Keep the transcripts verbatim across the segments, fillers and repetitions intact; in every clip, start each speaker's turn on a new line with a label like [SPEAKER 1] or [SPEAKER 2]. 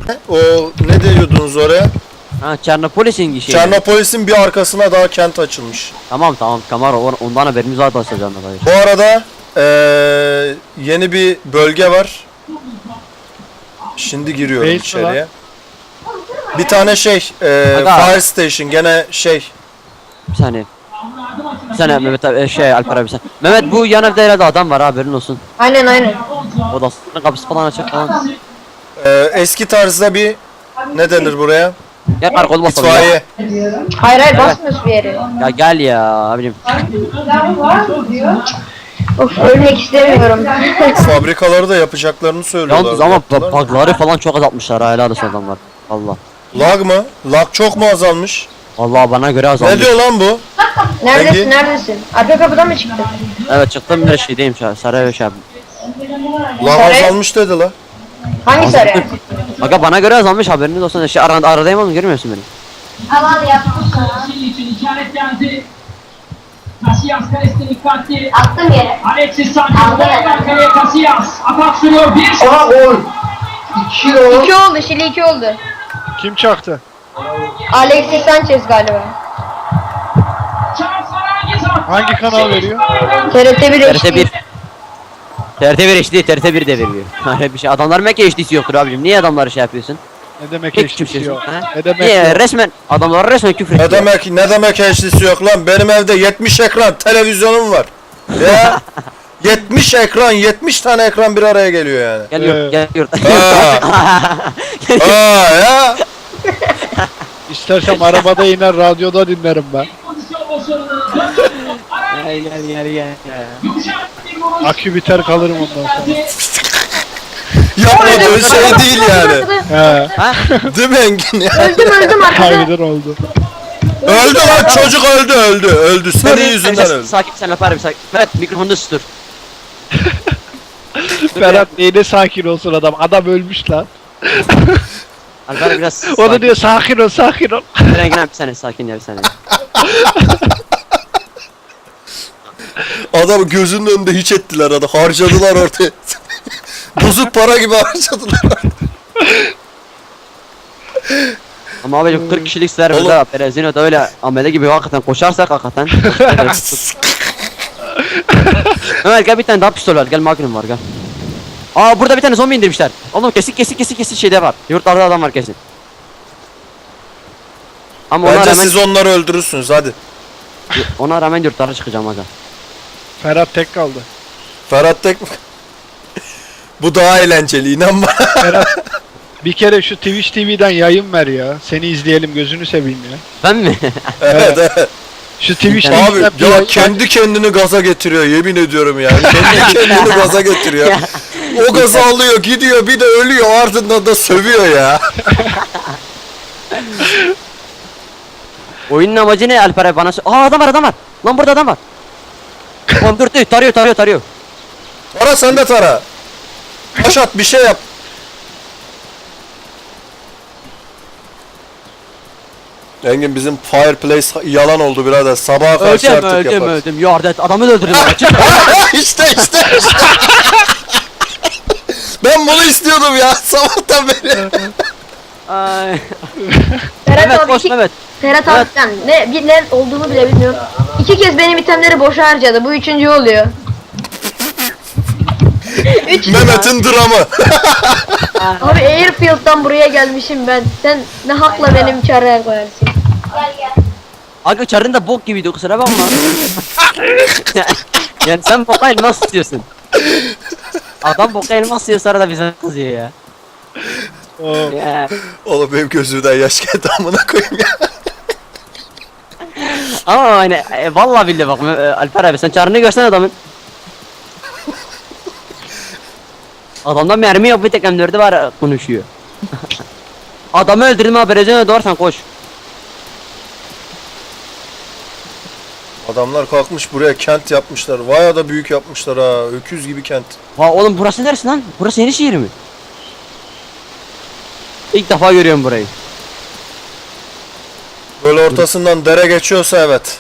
[SPEAKER 1] O ne diyordunuz oraya?
[SPEAKER 2] Ha Çernopolis'in işi.
[SPEAKER 1] Çernopolis'in bir arkasına daha kent açılmış.
[SPEAKER 2] Tamam tamam Kamaro ondan haberimiz var basacağım da.
[SPEAKER 1] Bu arada ee, yeni bir bölge var. Şimdi giriyorum
[SPEAKER 3] Neyse
[SPEAKER 1] içeriye. Bir tane şey ee,
[SPEAKER 2] Aga.
[SPEAKER 1] fire station gene şey.
[SPEAKER 2] Bir saniye. Bir saniye Mehmet abi şey Alper abi sen. Mehmet bu yan evde herhalde adam var haberin olsun.
[SPEAKER 4] Aynen aynen.
[SPEAKER 2] Odasının kapısı falan açık falan.
[SPEAKER 1] Ee, eski tarzda bir ne denir buraya?
[SPEAKER 2] Gel karakol basalım ya.
[SPEAKER 1] İtfaiye.
[SPEAKER 4] Hayır hayır basmıyoruz bir yere.
[SPEAKER 2] Ya gel ya abicim.
[SPEAKER 4] Of ölmek istemiyorum.
[SPEAKER 1] Fabrikaları da yapacaklarını söylüyorlar.
[SPEAKER 2] Yalnız ama
[SPEAKER 1] Yaptılar mı?
[SPEAKER 2] bug'ları falan çok azaltmışlar ha helal olsun adamlar. Allah.
[SPEAKER 1] Lag mı? Lag çok mu azalmış?
[SPEAKER 2] Allah bana göre azalmış.
[SPEAKER 1] Ne diyor lan bu?
[SPEAKER 4] Neredesin
[SPEAKER 1] Peki.
[SPEAKER 4] neredesin? Arka kapıdan mı çıktın?
[SPEAKER 2] Evet çıktım bir şeydeyim şu an. Sarı şey abi.
[SPEAKER 1] Lag
[SPEAKER 4] Sarı-
[SPEAKER 1] azalmış dedi la.
[SPEAKER 4] Hangi sarı?
[SPEAKER 2] Aga bana göre azalmış haberiniz olsun. Şey arada aradayım ama görmüyorsun beni.
[SPEAKER 4] Havalı yaptım sana.
[SPEAKER 5] Şimdi için işaretlendi. Casillas kalesine dikkatli.
[SPEAKER 4] Attım yere.
[SPEAKER 5] Alexis Sanchez var kaleye Casillas. Atak sürüyor bir şut.
[SPEAKER 6] Aha gol. İki gol.
[SPEAKER 4] İki oldu Şili iki oldu.
[SPEAKER 3] Kim çaktı?
[SPEAKER 4] Alexis Sanchez galiba.
[SPEAKER 5] Charles Aranguiz attı.
[SPEAKER 3] Hangi kanal veriyor?
[SPEAKER 4] T R T bir
[SPEAKER 2] T R T
[SPEAKER 4] H D.
[SPEAKER 2] bir. T R T bir H D, T R T bir de veriyor. Öyle bir şey. Adamlar Mac H D'si yoktur abicim. Niye adamları şey yapıyorsun?
[SPEAKER 3] Ne demek
[SPEAKER 2] Pek
[SPEAKER 3] eşlik
[SPEAKER 2] kimse
[SPEAKER 3] yok?
[SPEAKER 2] Ha?
[SPEAKER 3] Ne demek
[SPEAKER 2] Niye
[SPEAKER 3] yok?
[SPEAKER 2] resmen adamlar resmen küfür
[SPEAKER 1] Ne
[SPEAKER 2] ediyor.
[SPEAKER 1] demek ne demek H D'si yok lan? Benim evde yetmiş ekran televizyonum var. Ya yetmiş ekran, yetmiş tane ekran bir araya geliyor yani.
[SPEAKER 2] Geliyor,
[SPEAKER 3] Ee.
[SPEAKER 2] geliyor.
[SPEAKER 1] Aa ya.
[SPEAKER 3] İstersem arabada iner radyoda dinlerim ben.
[SPEAKER 5] Pozisyon başarılı.
[SPEAKER 2] Gel gel gel gel.
[SPEAKER 5] Yumuşak bir vuruş.
[SPEAKER 3] Akü biter kalırım ondan sonra.
[SPEAKER 1] Yapmadığın şey değil yani.
[SPEAKER 3] He.
[SPEAKER 2] Ha?
[SPEAKER 1] Değil mi Engin ya?
[SPEAKER 4] Öldüm öldüm arkada.
[SPEAKER 3] Harbiden oldu.
[SPEAKER 1] Öldü lan çocuk öldü öldü öldü. Senin yüzünden
[SPEAKER 2] Sen-
[SPEAKER 1] öldü.
[SPEAKER 2] Sakin sen Alper abi sakin. Evet mikrofonu sustur.
[SPEAKER 3] Ferhat neyine sakin olsun adam. Adam ölmüş lan.
[SPEAKER 2] Alper abi biraz
[SPEAKER 3] O da
[SPEAKER 2] sakin.
[SPEAKER 3] diyor sakin ol sakin ol.
[SPEAKER 2] Engin abi bir saniye sakin ya bir saniye.
[SPEAKER 1] Adamı gözünün önünde hiç ettiler adam. Harcadılar ortaya. Bozuk para gibi harcadılar.
[SPEAKER 2] Ama abicim kırk kişilik serverda
[SPEAKER 1] Oğlum.
[SPEAKER 2] Perezino'da öyle amele gibi hakikaten koşarsak hakikaten. Mehmet gel bir tane daha pistol var gel magnum var gel. Aa burada bir tane zombi indirmişler. Oğlum kesik kesik kesik kesik şeyde var. Yurtlarda adam var kesin. Ama ona
[SPEAKER 1] Bence
[SPEAKER 2] rağmen,
[SPEAKER 1] siz onları öldürürsünüz hadi.
[SPEAKER 2] ona rağmen yurtlara çıkacağım aga.
[SPEAKER 3] Ferhat tek kaldı.
[SPEAKER 1] Ferhat Tek bu daha eğlenceli inan bana.
[SPEAKER 3] Ferhat bir kere şu Twitch T V'den yayın ver ya. Seni izleyelim gözünü seveyim ya.
[SPEAKER 2] Ben mi?
[SPEAKER 1] Evet evet.
[SPEAKER 3] Şu Twitch
[SPEAKER 2] Yani-
[SPEAKER 1] Abi
[SPEAKER 3] T V'den bir
[SPEAKER 1] ya
[SPEAKER 3] yayın-
[SPEAKER 1] kendi kendini gaza getiriyor yemin ediyorum ya. Kendi kendini gaza getiriyor. O gazı alıyor gidiyor bir de ölüyor ardından da sövüyor ya.
[SPEAKER 2] Oyunun amacı ne Alper abi bana sö- Aa adam var adam var. Lan burada adam var. Oğlum dur dur tarıyor tarıyor tarıyor.
[SPEAKER 1] Tara sen de tara. Taş at bir şey yap. Engin bizim fireplace yalan oldu birader. Sabaha karşı
[SPEAKER 2] Öldüm
[SPEAKER 1] artık
[SPEAKER 2] öldüm
[SPEAKER 1] yaparız.
[SPEAKER 2] öldüm. Yardet adamı öldürdüm. Çık.
[SPEAKER 1] işte işte işte. Ben bunu istiyordum ya sabahtan beri.
[SPEAKER 2] Ay.
[SPEAKER 4] Ferhat
[SPEAKER 2] Mehmet
[SPEAKER 4] abi
[SPEAKER 2] koş
[SPEAKER 4] iki,
[SPEAKER 2] Mehmet.
[SPEAKER 4] Ferhat abi sen ne, bir, ne olduğunu bile bilmiyorum. İki kez benim itemleri boşa harcadı. Bu üçüncü oluyor. Üç.
[SPEAKER 1] Mehmet'in dramı.
[SPEAKER 4] Abi Airfield'dan buraya gelmişim ben. Sen ne hakla benim çareye koyarsın?
[SPEAKER 2] Aga çarın da bok gibiydi kusura bakma. Yani sen boka elmas istiyorsun. Adam boka elmas istiyor sonra da bize kızıyor ya.
[SPEAKER 3] O
[SPEAKER 2] Ya.
[SPEAKER 1] Oğlum benim gözümden yaş geldi amına koyayım ya.
[SPEAKER 2] Ama hani e, vallahi billahi bak e, Alper abi sen çarını görsen adamın. Adamda mermi yok bir tek M dördü var e, konuşuyor. Adamı öldürdüm ha Brezilya doğarsan koş.
[SPEAKER 1] Adamlar kalkmış buraya kent yapmışlar. Vay da büyük yapmışlar ha. Öküz gibi kent.
[SPEAKER 2] Ha oğlum burası neresi lan? Burası senin şehir mi? İlk defa görüyorum burayı.
[SPEAKER 1] Böyle ortasından dere geçiyorsa evet.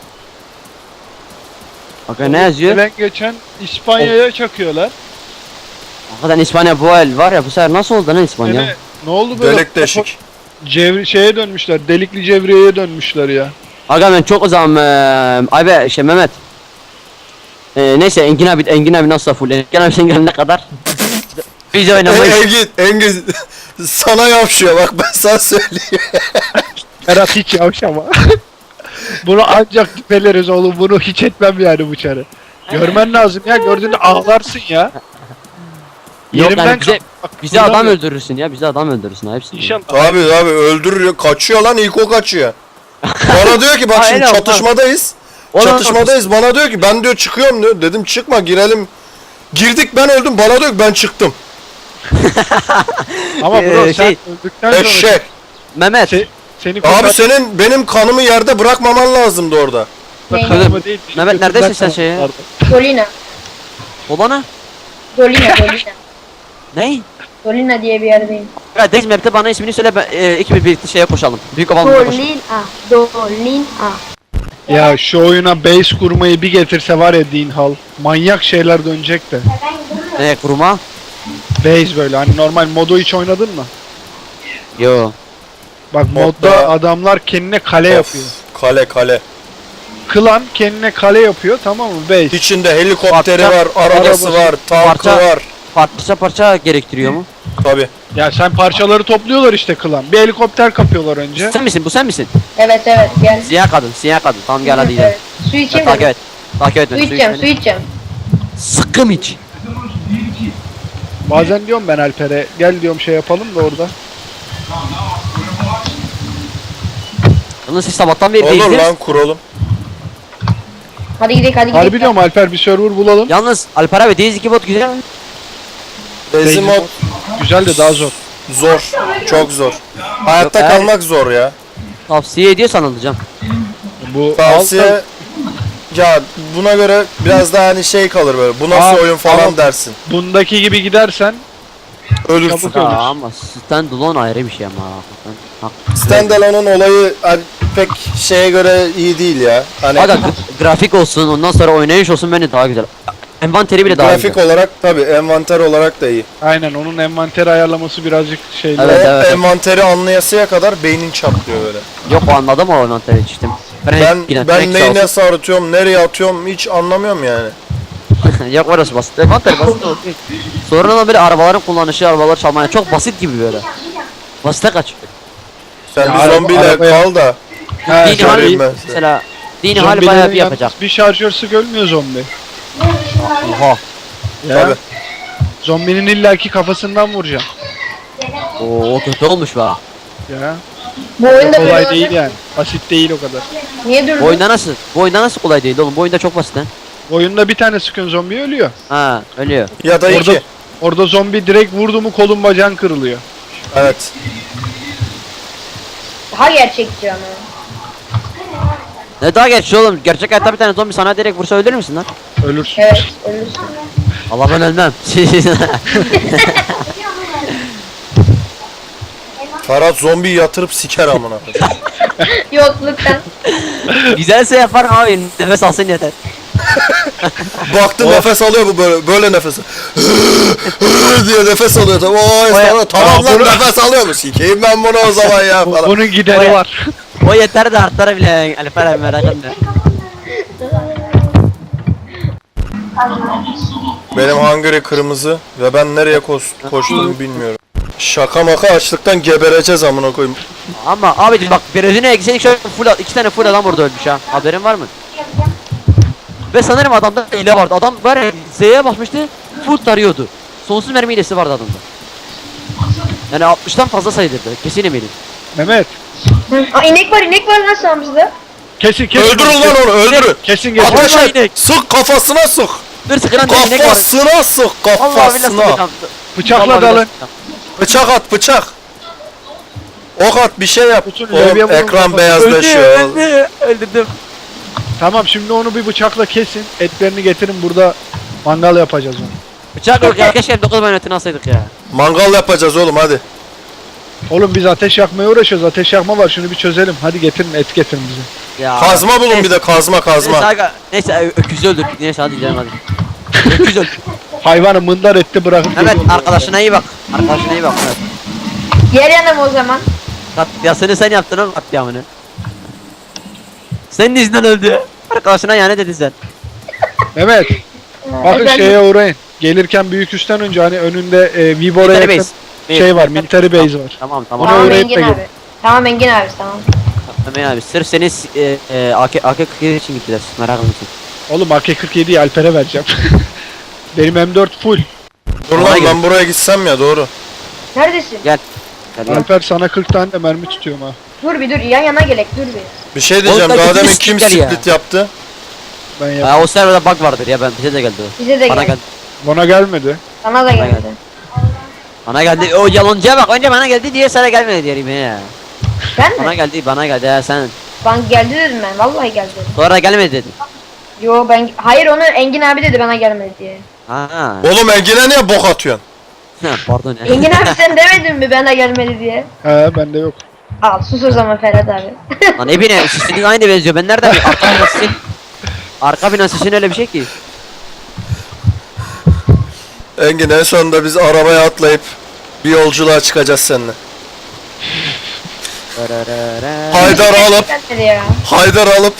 [SPEAKER 2] Bakın ne yazıyor?
[SPEAKER 3] gelen geçen İspanya'ya çakıyorlar.
[SPEAKER 2] Hakikaten İspanya bu el var ya bu sefer nasıl oldu lan İspanya?
[SPEAKER 3] Gene Ne oldu böyle?
[SPEAKER 1] Delik deşik.
[SPEAKER 3] Cevri şeye dönmüşler. Delikli cevriyeye dönmüşler ya.
[SPEAKER 2] Aga ben çok o zaman eee abi şey Mehmet. Eee neyse Engin abi Engin abi nasıl full Engin abi sen gelene kadar biz
[SPEAKER 1] E,
[SPEAKER 2] oynamayız.
[SPEAKER 1] Engin, Engin sana yapışıyor bak ben sana söyleyeyim.
[SPEAKER 3] Berat hiç yavşama. Bunu ancak tipeleriz oğlum. Bunu hiç etmem yani bu çarı. Görmen lazım ya. Gördüğünde ağlarsın ya.
[SPEAKER 2] Yok
[SPEAKER 3] Yerimden
[SPEAKER 2] yani bize,
[SPEAKER 3] kalk- bak,
[SPEAKER 2] bize adam
[SPEAKER 3] duramıyorum.
[SPEAKER 2] öldürürsün ya bize adam öldürürsün ha hepsini.
[SPEAKER 3] İnşallah.
[SPEAKER 1] Abi abi öldürüyor kaçıyor lan ilk o kaçıyor. Bana diyor ki bak şimdi
[SPEAKER 2] Aynen,
[SPEAKER 1] çatışmadayız.
[SPEAKER 2] Oğlum,
[SPEAKER 1] Çatışmadayız bana diyor ki ben diyor çıkıyorum diyor. Dedim çıkma girelim. Girdik ben öldüm bana diyor ki ben çıktım.
[SPEAKER 3] Ama bro
[SPEAKER 2] Ee,
[SPEAKER 3] sen
[SPEAKER 2] şey-
[SPEAKER 3] öldükten sonra
[SPEAKER 1] Eşek.
[SPEAKER 2] Mehmet.
[SPEAKER 3] Se- seni kurtar-
[SPEAKER 1] Abi senin benim kanımı yerde bırakmaman lazımdı orada.
[SPEAKER 3] Kanımı değil,
[SPEAKER 2] Mehmet,
[SPEAKER 3] götünden
[SPEAKER 2] neredesin sen şeye?
[SPEAKER 3] kanım vardı.
[SPEAKER 4] Dolina.
[SPEAKER 2] Olana.
[SPEAKER 4] Dolina, Dolina.
[SPEAKER 2] Ney?
[SPEAKER 4] Dolina diye bir yerdeyim.
[SPEAKER 2] Ya Dex Map'te bana ismini söyle ben e, ikimiz birlikte şeye koşalım. Büyük ovalımıza koşalım.
[SPEAKER 4] Dolina. Dolina.
[SPEAKER 3] Ya şu oyuna base kurmayı bir getirse var ya Dean Hall. Manyak şeyler dönecek de.
[SPEAKER 2] Ne kuruma?
[SPEAKER 3] Base böyle hani normal modu hiç oynadın mı?
[SPEAKER 2] Yo.
[SPEAKER 3] Bak
[SPEAKER 1] Modda-
[SPEAKER 3] modda adamlar kendine kale
[SPEAKER 1] Of,
[SPEAKER 3] yapıyor.
[SPEAKER 1] Kale kale.
[SPEAKER 3] Klan kendine kale yapıyor tamam mı base.
[SPEAKER 1] İçinde helikopteri
[SPEAKER 2] Parça-
[SPEAKER 1] var, arabası
[SPEAKER 3] arabası,
[SPEAKER 1] var, tankı
[SPEAKER 2] parça-
[SPEAKER 1] var.
[SPEAKER 2] Parça parça gerektiriyor mu?
[SPEAKER 1] Tabi.
[SPEAKER 3] Ya sen parçaları topluyorlar işte klan. Bir helikopter kapıyorlar önce.
[SPEAKER 2] Sen misin? Bu sen misin?
[SPEAKER 4] Evet evet gel.
[SPEAKER 2] Siyah kadın, siyah kadın. Tamam gel hadi gidelim.
[SPEAKER 4] Evet. Su
[SPEAKER 2] Ya,
[SPEAKER 4] içeyim
[SPEAKER 2] takip
[SPEAKER 4] mi?
[SPEAKER 2] et. Takip et
[SPEAKER 4] Su
[SPEAKER 2] beni.
[SPEAKER 4] içeceğim, su
[SPEAKER 2] beni.
[SPEAKER 4] içeceğim.
[SPEAKER 2] Sıkkım iç.
[SPEAKER 3] Bazen diyorum ben Alper'e gel diyorum şey yapalım da orada.
[SPEAKER 2] Yalnız siz sabahtan beri
[SPEAKER 1] Olur
[SPEAKER 2] değildiniz.
[SPEAKER 1] lan kuralım.
[SPEAKER 4] Hadi gidelim, hadi
[SPEAKER 3] Harbi
[SPEAKER 4] gidelim.
[SPEAKER 3] diyorum Alper bir server bulalım.
[SPEAKER 2] Yalnız Alper abi Deniz iki bot güzel mi?
[SPEAKER 1] Bezi mod
[SPEAKER 3] Güzel de daha zor.
[SPEAKER 1] zor. Çok zor. Hayatta
[SPEAKER 2] Yok, eğer-
[SPEAKER 1] kalmak zor ya.
[SPEAKER 2] Tavsiye ediyorsan alacağım.
[SPEAKER 3] Bu
[SPEAKER 1] Tavsiye ya buna göre biraz daha hani şey kalır böyle. Bu nasıl
[SPEAKER 3] Aa,
[SPEAKER 1] oyun falan
[SPEAKER 3] tamam.
[SPEAKER 1] dersin.
[SPEAKER 3] bundaki gibi gidersen
[SPEAKER 1] Ölürsün.
[SPEAKER 3] Çabuk.
[SPEAKER 2] Ya
[SPEAKER 3] Öyle.
[SPEAKER 2] ama stand alone ayrı bir şey ama. hakikaten. Hak-
[SPEAKER 1] Standalone'un olayı hani pek şeye göre iyi değil ya. Hani
[SPEAKER 2] Aga gra- grafik olsun ondan sonra oynayış olsun bence daha güzel. Envanteri bile daha
[SPEAKER 1] grafik
[SPEAKER 2] güzel.
[SPEAKER 1] olarak tabi envanter olarak da iyi.
[SPEAKER 3] aynen onun envanter ayarlaması birazcık şeyli.
[SPEAKER 2] Evet,
[SPEAKER 1] o
[SPEAKER 2] evet.
[SPEAKER 1] envanteri anlayasıya kadar beynin çatlıyor böyle.
[SPEAKER 2] Yok o anladım o envanteri işte.
[SPEAKER 1] Ben
[SPEAKER 2] yine
[SPEAKER 1] ben
[SPEAKER 2] tek
[SPEAKER 1] neyi
[SPEAKER 2] sağ
[SPEAKER 1] nasıl atıyorum, nereye atıyorum hiç anlamıyorum yani.
[SPEAKER 2] olsun. Yok orası basit. Envanter basit olsun. Sonradan böyle arabaların kullanışı, arabalar çalmaya çok basit gibi böyle. Basite kaçıyor.
[SPEAKER 1] Sen
[SPEAKER 3] Ya
[SPEAKER 1] bir
[SPEAKER 3] araba-
[SPEAKER 1] zombiyle
[SPEAKER 3] arabaya-
[SPEAKER 1] kal da.
[SPEAKER 3] He,
[SPEAKER 2] Dini
[SPEAKER 1] söyleyeyim
[SPEAKER 2] hali
[SPEAKER 1] ben size.
[SPEAKER 2] mesela dini hali
[SPEAKER 3] zombilerin
[SPEAKER 2] bayağı bir
[SPEAKER 3] yalnız
[SPEAKER 2] yapacak.
[SPEAKER 3] bir şarjör sık ölmüyor zombi.
[SPEAKER 2] Oha.
[SPEAKER 3] Ya.
[SPEAKER 1] Tabi.
[SPEAKER 3] Zombinin illaki kafasından vuracaksın.
[SPEAKER 2] Oo kötü olmuş be.
[SPEAKER 3] Ya.
[SPEAKER 4] Bu oyunda
[SPEAKER 3] Kolay
[SPEAKER 4] böyle
[SPEAKER 3] değil yani. Basit değil o kadar.
[SPEAKER 4] Niye durdun?
[SPEAKER 2] Bu oyunda nasıl? Bu oyunda nasıl kolay değil oğlum? Bu oyunda çok basit lan.
[SPEAKER 3] Oyunda bir tane sıkın zombi ölüyor.
[SPEAKER 2] Ha ölüyor.
[SPEAKER 1] Ya da
[SPEAKER 3] Orada,
[SPEAKER 1] iki.
[SPEAKER 3] orada zombi direkt vurdu mu kolun bacağın kırılıyor.
[SPEAKER 1] Evet.
[SPEAKER 4] Daha gerçekçi ama.
[SPEAKER 2] Ne daha geç oğlum? Gerçek hayatta bir tane zombi sana direkt vursa ölür müsün lan?
[SPEAKER 3] Ölürsün.
[SPEAKER 4] Evet, ölürsün.
[SPEAKER 2] Allah ben ölmem.
[SPEAKER 1] Ferhat zombi yatırıp siker amına koyayım.
[SPEAKER 4] Yokluktan.
[SPEAKER 2] Güzelse yapar abi. Nefes alsın yeter.
[SPEAKER 1] Baktım nefes alıyor bu böyle böyle nefes. diye nefes alıyor tabii. Oy
[SPEAKER 2] O ya-
[SPEAKER 1] sana tamam
[SPEAKER 3] Aa,
[SPEAKER 1] lan
[SPEAKER 3] bunu-
[SPEAKER 1] nefes alıyor mu? Sikeyim ben bunu o zaman ya
[SPEAKER 3] Bu-
[SPEAKER 1] falan.
[SPEAKER 3] Bunun gideri
[SPEAKER 2] Oya-
[SPEAKER 3] var.
[SPEAKER 2] O yeter de artlara bile Alper abi merak etme.
[SPEAKER 1] Benim hangiri kırmızı ve ben nereye koş- koştuğumu bilmiyorum. Şaka maka açlıktan gebereceğiz amına koyayım.
[SPEAKER 2] Ama abicim bak birazını eksik şöyle full iki tane full adam burada ölmüş ha. Haberin var mı? Ve sanırım adamda hile vardı. Adam var ya Z'ye basmıştı. Full tarıyordu. Sonsuz mermi hilesi vardı adamda. Yani altmıştan fazla sayılırdı. Kesin eminim.
[SPEAKER 3] Mehmet.
[SPEAKER 4] Aa inek var, inek var lan sağımızda.
[SPEAKER 3] Kesin kesin.
[SPEAKER 1] Öldürün lan onu öldürün.
[SPEAKER 3] Kesin kesin.
[SPEAKER 1] Ateş
[SPEAKER 2] Vallahi
[SPEAKER 1] et.
[SPEAKER 2] inek.
[SPEAKER 1] Sık kafasına sık.
[SPEAKER 2] Dur sıkılan da inek var.
[SPEAKER 1] Kafasına sık
[SPEAKER 2] Allah billahi
[SPEAKER 1] kafasına.
[SPEAKER 2] sıkacağım.
[SPEAKER 3] Bıçakla
[SPEAKER 2] Vallahi
[SPEAKER 3] dalın.
[SPEAKER 2] billahi sıkacağım.
[SPEAKER 1] Bıçak at bıçak. Ok at bir şey yap.
[SPEAKER 3] Bütün
[SPEAKER 1] Oğlum,
[SPEAKER 3] levye vurun
[SPEAKER 1] ekran
[SPEAKER 3] kafasına.
[SPEAKER 1] beyazlaşıyor.
[SPEAKER 2] Öldü, öldü, öldürdüm.
[SPEAKER 3] Tamam şimdi onu bir bıçakla kesin. Etlerini getirin burada mangal yapacağız onu.
[SPEAKER 2] Bıçak yok ya keşke dokuz manetini alsaydık ya.
[SPEAKER 1] Mangal yapacağız oğlum hadi.
[SPEAKER 3] Oğlum biz ateş yakmaya uğraşıyoruz. Ateş yakma var şunu bir çözelim. Hadi getirin et getirin bize.
[SPEAKER 2] Ya.
[SPEAKER 1] Kazma bulun bir de kazma
[SPEAKER 2] Neyse,
[SPEAKER 1] kazma.
[SPEAKER 2] aga, neyse ö- öküzü öldürdük. Neyse hadi gidelim hadi. Öküz öldürdük.
[SPEAKER 3] Hayvanı mındar etti bırakıp
[SPEAKER 2] Mehmet
[SPEAKER 3] geliyorum.
[SPEAKER 2] arkadaşına iyi bak. Arkadaşına iyi bak. Evet.
[SPEAKER 4] Gel yanıma o zaman.
[SPEAKER 2] Katliasını sen yaptın o katliamını. Senin yüzünden öldü. Arkadaşına yani dedin sen.
[SPEAKER 3] Mehmet. Bakın
[SPEAKER 4] Ben-
[SPEAKER 3] şeye uğrayın. Gelirken büyük üstten önce hani önünde e, Vibor'a
[SPEAKER 2] Military
[SPEAKER 3] yakın
[SPEAKER 2] base.
[SPEAKER 3] şey var. Military base var.
[SPEAKER 2] Tamam tamam.
[SPEAKER 3] Ona
[SPEAKER 4] Tamam
[SPEAKER 3] uğrayıp
[SPEAKER 4] Engin
[SPEAKER 3] da
[SPEAKER 4] abi. Tamam Engin abi tamam.
[SPEAKER 2] Tamam abi sırf seni e, e, A K A K kırk yedi için gittiler. Merak etmesin.
[SPEAKER 3] Oğlum A K kırk yediyi Alper'e vereceğim. Benim M dört full.
[SPEAKER 1] Dur
[SPEAKER 2] Ona
[SPEAKER 1] lan
[SPEAKER 2] gel.
[SPEAKER 1] ben buraya gitsem ya doğru.
[SPEAKER 4] Neredesin?
[SPEAKER 2] Gel. Gel gel.
[SPEAKER 3] Alper sana kırk tane de mermi tutuyorum ha.
[SPEAKER 4] Dur bir dur yan yana gelek dur bir.
[SPEAKER 1] Bir şey diyeceğim.
[SPEAKER 2] Oğlum,
[SPEAKER 1] Daha
[SPEAKER 2] belki
[SPEAKER 1] demin
[SPEAKER 2] biz
[SPEAKER 1] kim
[SPEAKER 2] sikler ya.
[SPEAKER 1] split yaptı?
[SPEAKER 3] Ben yap.
[SPEAKER 2] Ha, o serverda bug vardır ya ben bize de geldi o.
[SPEAKER 4] Bize de
[SPEAKER 2] Bana
[SPEAKER 4] geldi.
[SPEAKER 2] geldi.
[SPEAKER 3] Bana gelmedi.
[SPEAKER 4] Sana da
[SPEAKER 2] Bana
[SPEAKER 4] geldi.
[SPEAKER 2] geldi. Bana geldi. O yalancıya bak. Önce bana geldi diye sana gelmedi diyelim ya.
[SPEAKER 4] Ben
[SPEAKER 2] Bana
[SPEAKER 4] mi?
[SPEAKER 2] geldi, bana geldi ya sen.
[SPEAKER 4] Bana geldi dedim ben. Vallahi geldi dedim.
[SPEAKER 2] Sonra gelmedi dedin.
[SPEAKER 4] Yo ben hayır onu Engin abi dedi bana gelmedi diye.
[SPEAKER 2] Ha.
[SPEAKER 1] Oğlum Engin'e niye bok atıyorsun?
[SPEAKER 2] Ha, Pardon ya.
[SPEAKER 4] Engin abi sen demedin mi bana gelmedi diye?
[SPEAKER 3] He bende yok.
[SPEAKER 4] Al sus o zaman Ferhat abi.
[SPEAKER 2] Lan ne bileyim sizin aynı benziyor. Ben nereden bileyim? Arka bina sizin. Arka bina sizin öyle bir şey ki.
[SPEAKER 1] Engin en sonunda biz arabaya atlayıp bir yolculuğa çıkacağız seninle. Haydar alıp,
[SPEAKER 4] Gelmedi ya.
[SPEAKER 1] Haydar alıp.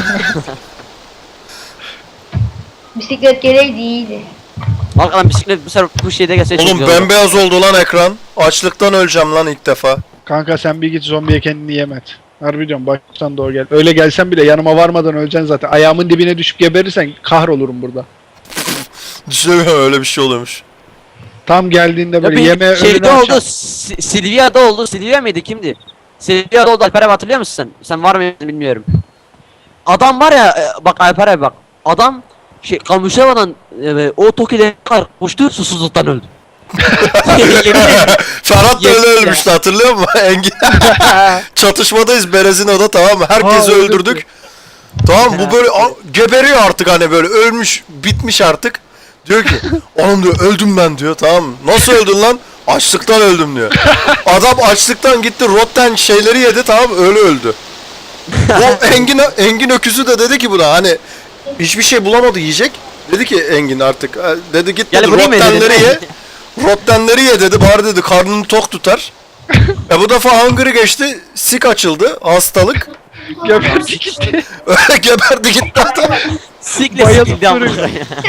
[SPEAKER 4] Bisiklet geleydi iyiydi.
[SPEAKER 2] Arkadan bisiklet bu sefer bu şeyde gelse çok
[SPEAKER 1] Oğlum
[SPEAKER 2] güzel olur.
[SPEAKER 1] bembeyaz oldu lan ekran. Açlıktan öleceğim lan ilk defa.
[SPEAKER 3] Kanka sen bir git zombiye kendini yemet. Harbi diyorum baştan doğru gel. Öyle gelsen bile yanıma varmadan öleceksin zaten. Ayağımın dibine düşüp geberirsen kahrolurum burada.
[SPEAKER 1] Düşünemiyorum öyle bir şey oluyormuş.
[SPEAKER 3] Tam geldiğinde
[SPEAKER 2] Ya
[SPEAKER 3] böyle
[SPEAKER 2] bir
[SPEAKER 3] yeme önünü
[SPEAKER 2] şeyde oldu.
[SPEAKER 3] açar.
[SPEAKER 2] Si- Silvia'da oldu. Silvia mıydı kimdi? Silvia'da oldu. Alper abi hatırlıyor musun sen? Sen var mıydın bilmiyorum. Adam var ya e, bak Alper abi bak. Adam şey Kamışeva'dan e, o Toki'de kadar koştu susuzluktan öldü. Yemin ederim.
[SPEAKER 1] Ferhat da öyle
[SPEAKER 2] Yemin
[SPEAKER 1] ölmüştü hatırlıyor musun? Engin. Çatışmadayız Berezino'da tamam mı? Herkesi
[SPEAKER 3] Ha,
[SPEAKER 1] öldürdük. Tamam bu böyle a- geberiyor artık hani böyle ölmüş bitmiş artık. Diyor ki oğlum diyor öldüm ben diyor tamam mı? Nasıl öldün lan? Açlıktan öldüm diyor. Adam açlıktan gitti rotten şeyleri yedi tamam mı? Öyle öldü. O Engin, Engin öküzü de dedi ki buna hani hiçbir şey bulamadı yiyecek. Dedi ki Engin artık e, dedi git
[SPEAKER 2] Gel
[SPEAKER 1] dedi
[SPEAKER 2] buraya mı
[SPEAKER 1] rottenleri
[SPEAKER 2] yedin?
[SPEAKER 1] ye. Rottenleri ye dedi bari dedi karnını tok tutar. E bu defa hungry geçti. Sik açıldı. Hastalık.
[SPEAKER 3] Geberdik işte.
[SPEAKER 1] Öyle geberdi gitti adam.
[SPEAKER 2] Sikle
[SPEAKER 3] Bayılıp
[SPEAKER 2] sikildi ama.
[SPEAKER 3] duruyor.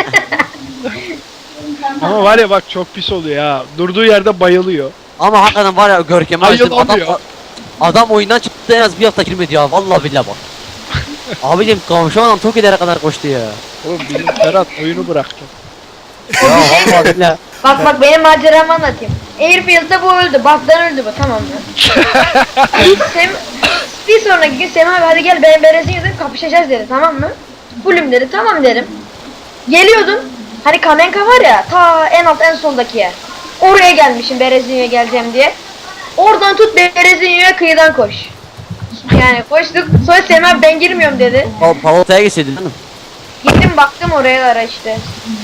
[SPEAKER 3] Ama var ya bak çok pis oluyor ya. Durduğu yerde bayılıyor.
[SPEAKER 2] Ama hakikaten var ya Görkem'i
[SPEAKER 3] Hayır,
[SPEAKER 2] açtım adam
[SPEAKER 3] olmuyor.
[SPEAKER 2] adam oyundan çıktı en az bir hafta girmedi ya vallahi billahi bak. Abicim Kamışeva'dan Toki'lere kadar koştu ya.
[SPEAKER 3] Oğlum bizim Ferhat oyunu bıraktı.
[SPEAKER 2] Ya vallahi billahi.
[SPEAKER 4] Bak bak benim maceramı anlatayım. Airfield'da bu öldü. Baktan öldü bu tamam mı? Sem bir sonraki gün Semih abi hadi gel benim berezin dedim kapışacağız dedi tamam mı? Fullüm dedi tamam dedim. Geliyordum. Hani Kamenka var ya ta en alt en soldaki yer. Oraya gelmişim Berezinyo'ya geleceğim diye. Oradan tut Berezinyo'ya kıyıdan koş. Yani koştuk. Sonra Semih abi ben girmiyorum dedi.
[SPEAKER 2] Pa Palata'ya gitseydin hanım.
[SPEAKER 4] Gittim baktım oraya ara işte.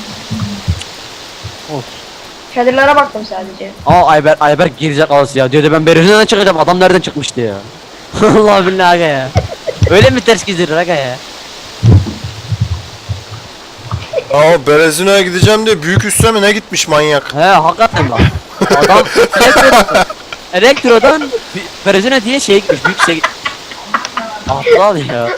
[SPEAKER 2] Of.
[SPEAKER 4] Çadırlara baktım sadece.
[SPEAKER 2] Aa Ayber Ayber girecek ağası ya diyordu ben Berlin'den çıkacağım adam nereden çıkmıştı ya. Allah billahi aga ya. Öyle mi ters gizdirir aga ya?
[SPEAKER 1] Aa Berezino'ya gideceğim diye büyük üste mi ne gitmiş manyak.
[SPEAKER 2] He hakikaten bak. Adam Elektro'dan Elektro'dan Berezine diye şeye gitmiş büyük şeye gitmiş. Aptal ya.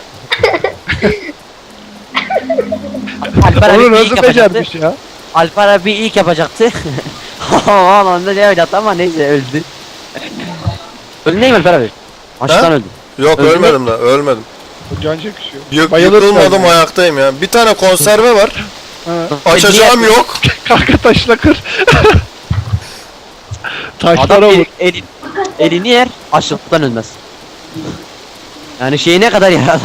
[SPEAKER 2] Alper abi
[SPEAKER 3] Onu
[SPEAKER 2] bir
[SPEAKER 3] nasıl
[SPEAKER 2] ilk yapacaktı.
[SPEAKER 3] becermiş ya?
[SPEAKER 2] Alper abi ilk yapacaktı. Aman onda ne öyle ama neyse öldü. Öldü değil mi Alper abi? Açlıktan
[SPEAKER 1] Ha?
[SPEAKER 2] öldü.
[SPEAKER 1] Yok
[SPEAKER 2] Öldü mü?
[SPEAKER 1] ölmedim de ölmedim.
[SPEAKER 3] Can çekişiyor.
[SPEAKER 1] Yık,
[SPEAKER 3] Bayılır
[SPEAKER 1] yıkılmadım
[SPEAKER 3] tabii.
[SPEAKER 1] ayaktayım ya. Bir tane konserve var.
[SPEAKER 3] Ha.
[SPEAKER 1] Açacağım yok.
[SPEAKER 3] Kanka taşla kır.
[SPEAKER 2] Adam
[SPEAKER 3] Taşlara vur.
[SPEAKER 2] el, elin, elini yer açlıktan ölmez. Yani şeyi ne kadar yer adam.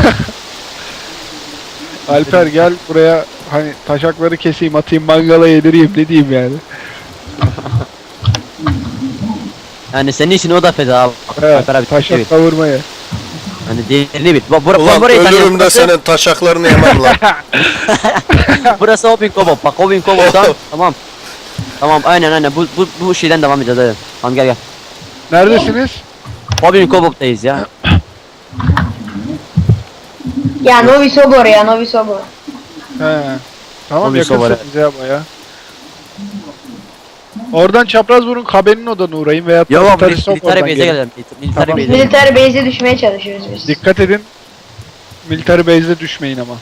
[SPEAKER 3] Alper gel buraya hani taşakları keseyim atayım mangala yedireyim ne diyeyim yani.
[SPEAKER 2] Yani senin için o da feda abi.
[SPEAKER 3] He,
[SPEAKER 2] Alper abi
[SPEAKER 3] taşak
[SPEAKER 2] evet.
[SPEAKER 3] kavurmaya.
[SPEAKER 2] Hani diğerini bil. Bu, bura,
[SPEAKER 1] Ulan
[SPEAKER 2] burayı tanıyorum.
[SPEAKER 1] ölürüm de
[SPEAKER 2] Burası,
[SPEAKER 1] senin taşaklarını yemem lan.
[SPEAKER 2] burası Hopin Kobop. Bak Hopin Kobop'tan tamam. Tamam aynen aynen bu, bu, bu şeyden devam edeceğiz hadi. Tamam gel gel.
[SPEAKER 3] Neredesiniz?
[SPEAKER 2] Hopin Kobop'tayız ya.
[SPEAKER 4] Ya Novi Sobor ya Novi Sobor.
[SPEAKER 3] He. Tamam
[SPEAKER 2] Tabii, sobara.
[SPEAKER 3] yakınsınız ya baya. Oradan Çaprazburun Kabe'nin odanına uğrayın veya
[SPEAKER 2] Yok yok
[SPEAKER 3] Tataristop
[SPEAKER 2] military
[SPEAKER 3] oradan
[SPEAKER 2] base'e
[SPEAKER 3] gelin.
[SPEAKER 2] gelelim. Military
[SPEAKER 3] Tamam.
[SPEAKER 4] Biz
[SPEAKER 2] base'e.
[SPEAKER 4] militer base'e düşmeye çalışıyoruz biz.
[SPEAKER 3] Dikkat edin. Military base'e düşmeyin ama.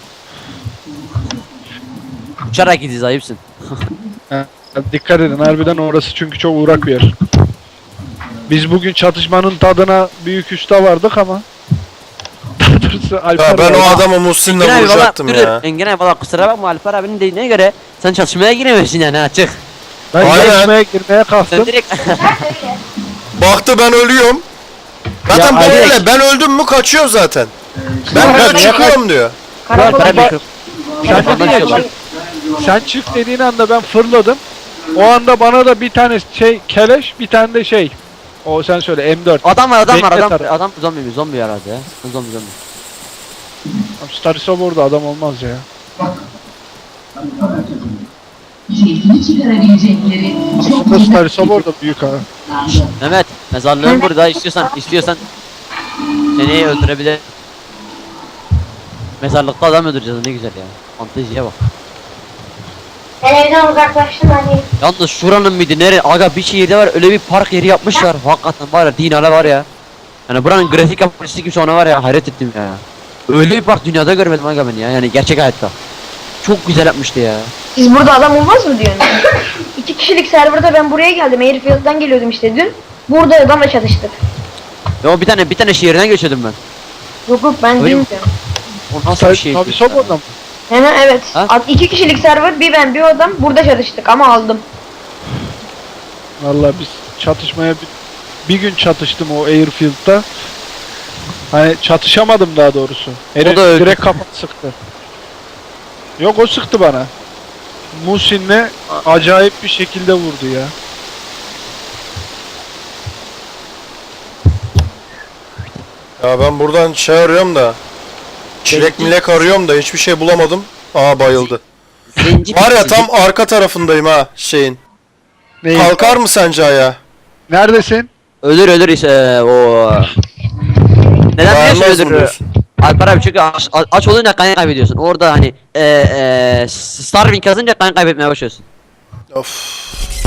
[SPEAKER 2] Uçarak gideceğiz ayıpsın.
[SPEAKER 3] Ha, dikkat edin harbiden orası çünkü çok uğrak bir yer. Biz bugün çatışmanın tadına büyük usta vardık ama. Daha doğrusu Alper
[SPEAKER 1] Ya ben o
[SPEAKER 3] var.
[SPEAKER 1] adamı Muhsin'le
[SPEAKER 2] Engin abi valla
[SPEAKER 1] vuracaktım
[SPEAKER 2] dur
[SPEAKER 1] ya.
[SPEAKER 2] dur. Engin abi valla kusura bakma Alper abinin dediğine göre sen çatışmaya giremezsin yani ha çık.
[SPEAKER 3] Ben
[SPEAKER 1] Aynen.
[SPEAKER 3] yarışmaya girmeye kalktım.
[SPEAKER 2] Sen direkt
[SPEAKER 1] Baktı ben ölüyorum. Zaten
[SPEAKER 3] Ya
[SPEAKER 1] böyle
[SPEAKER 3] Alex-
[SPEAKER 1] ben öldüm mü kaçıyor zaten. Ben
[SPEAKER 3] Ya
[SPEAKER 1] böyle
[SPEAKER 3] niye
[SPEAKER 1] çıkıyorum diyor.
[SPEAKER 4] Karakola
[SPEAKER 3] Alper
[SPEAKER 2] Alper
[SPEAKER 3] bak-
[SPEAKER 2] abi
[SPEAKER 3] Sen
[SPEAKER 2] Ondan
[SPEAKER 3] dedin ya
[SPEAKER 2] şey var.
[SPEAKER 3] çık. Sen çık dediğin anda ben fırladım. O anda bana da bir tane şey keleş, bir tane de şey. O sen söyle M dört.
[SPEAKER 2] Adam var adam var
[SPEAKER 3] Bekle
[SPEAKER 2] adam
[SPEAKER 3] tarafı.
[SPEAKER 2] adam zombi mi zombi herhalde ya. Zombi zombi.
[SPEAKER 3] Starisov orada adam olmaz ya.
[SPEAKER 7] Keyfini çıkarabilecekleri çok
[SPEAKER 3] Aslında Starisov orada büyük ha.
[SPEAKER 2] Mehmet mezarlığın burada istiyorsan istiyorsan seni öldürebilir. Mezarlıkta adam öldüreceğiz ne güzel ya. Fanteziye bak.
[SPEAKER 4] Ben evden uzaklaştım hani.
[SPEAKER 2] Yalnız şuranın mıydı nere? Aga bir şehirde var öyle bir park yeri yapmışlar. Hakikaten var ya dinale var ya. Yani buranın grafik yapıcısı gibi sonra var ya hayret ettim ya. Öyle bir park dünyada görmedim aga ben ya yani gerçek hayatta. Çok güzel yapmıştı ya.
[SPEAKER 4] Siz burada adam olmaz mı diyorsun? İki kişilik serverda ben buraya geldim. Airfield'dan geliyordum işte dün. Burada adamla çatıştık.
[SPEAKER 2] Ya bir tane bir tane şehirden geçiyordum ben.
[SPEAKER 4] Yok yok ben
[SPEAKER 2] Öyle mi?
[SPEAKER 4] bilmiyorum.
[SPEAKER 2] O nasıl bir şey?
[SPEAKER 3] Starisov orada mı?
[SPEAKER 4] Hemen evet.
[SPEAKER 2] Ha?
[SPEAKER 4] At- İki kişilik server bir ben bir o adam burada çatıştık ama aldım.
[SPEAKER 3] Vallahi biz çatışmaya bir, bir gün çatıştım o Airfield'da. Hani çatışamadım daha doğrusu. Herif
[SPEAKER 2] da öldü.
[SPEAKER 3] direkt kapat sıktı. Yok o sıktı bana. Muhsin'le acayip bir şekilde vurdu ya.
[SPEAKER 1] Ya ben buradan şey arıyorum da. Çilek milek arıyorum da hiçbir şey bulamadım. Aa bayıldı.
[SPEAKER 2] Zenci
[SPEAKER 1] Var ya
[SPEAKER 2] zenci-
[SPEAKER 1] tam arka tarafındayım ha şeyin.
[SPEAKER 3] Neyi?
[SPEAKER 1] Kalkar mı sence ayağa?
[SPEAKER 3] Neredesin?
[SPEAKER 2] Ölür ölür işte o. Neden
[SPEAKER 1] Dayanmaz
[SPEAKER 2] biliyorsun
[SPEAKER 1] mı
[SPEAKER 2] ölür?
[SPEAKER 1] diyorsun?
[SPEAKER 2] Alper abi çünkü aç, aç olunca kan kaybediyorsun. Orada hani e, e, starving kazınca kan kaybetmeye başlıyorsun.
[SPEAKER 1] Of.